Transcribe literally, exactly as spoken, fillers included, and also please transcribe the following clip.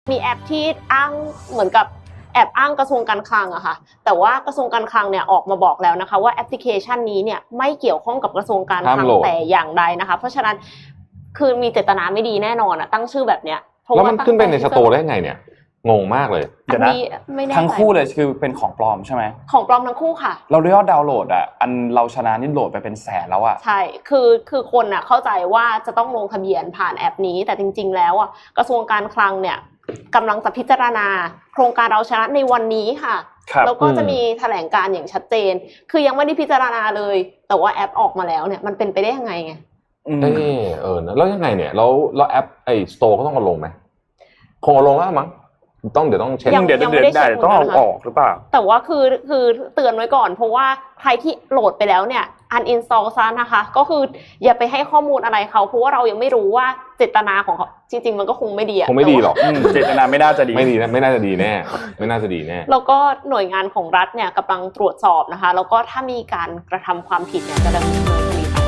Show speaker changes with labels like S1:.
S1: มีแอปที่อ้างเหมือนกับแอบอ้างกระทรวงการคลังอะค่ะแต่ว่ากระทรวงการคลังเนี่ยออกมาบอกแล้วนะคะว่าแอปพลิเคชันนี้เนี่ยไม่เกี่ยวข้องกับกระทรวงการคลังแต่อย่างใดนะคะเพราะฉะนั้นคือมีเจตนาไม่ดีแน่นอนอะตั้งชื่อแบบเนี้ย
S2: แล้วมันขึ้นไปในสโตร์ได้ไงเนี่ยงงมากเลย
S1: เดี๋ยวนะ
S3: ทั้งคู่เลยคือเป็นของปลอมใช่ไหม
S1: ของปลอมทั้งคู่ค่ะ
S3: เรายอดดาวน์โหลดอ่ะอันเราชนะนี่โหลดไปเป็นแสนแล้วอ่ะ
S1: ใช่คือคือคนอ่ะเข้าใจว่าจะต้องลงทะเบียนผ่านแอปนี้แต่จริงๆแล้วอ่ะกระทรวงการคลังเนี่ยกำลังจะพิจารณาโครงการเราชนะในวันนี้ค่ะแล้วก็จะมีแถลงการอย่างชัดเจนคือยังไม่ได้พิจารณาเลยแต่ว่าแอปออกมาแล้วเนี่ยมันเป็นไปได้ยังไงไง
S2: เออเออแล้วยังไงเนี่ยแล้วแล้วแอปไอ้สโตร์ก็ต้องมาลงไหมคงเอาลงแล้วมั้งต้องเดี๋ยวต้องเช็ค
S3: เดี๋ยวเดี๋ยวได้ต้องเอาออกหรือเปล่า
S1: แต่ว่าคือคือเตือนไว้ก่อนเพราะว่าใครที่โหลดไปแล้วเนี่ย uninstall ซะนะคะก็คืออย่าไปให้ข้อมูลอะไรเขาเพราะว่าเรายังไม่รู้ว่าเจตนาของเขาจริงๆมันก็คงไม่ดีอะ
S2: คงไม่ดีหรอก
S3: เจตนาไม่น่าจะดี
S2: ไม่ดีนะไม่น่าจะดีแน่ไม่น่าจะดีแน่
S1: แล้วก็หน่วยงานของรัฐเนี่ยกำลังตรวจสอบนะคะแล้วก็ถ้ามีการกระทำความผิดเนี่ยจะดำเนินคดี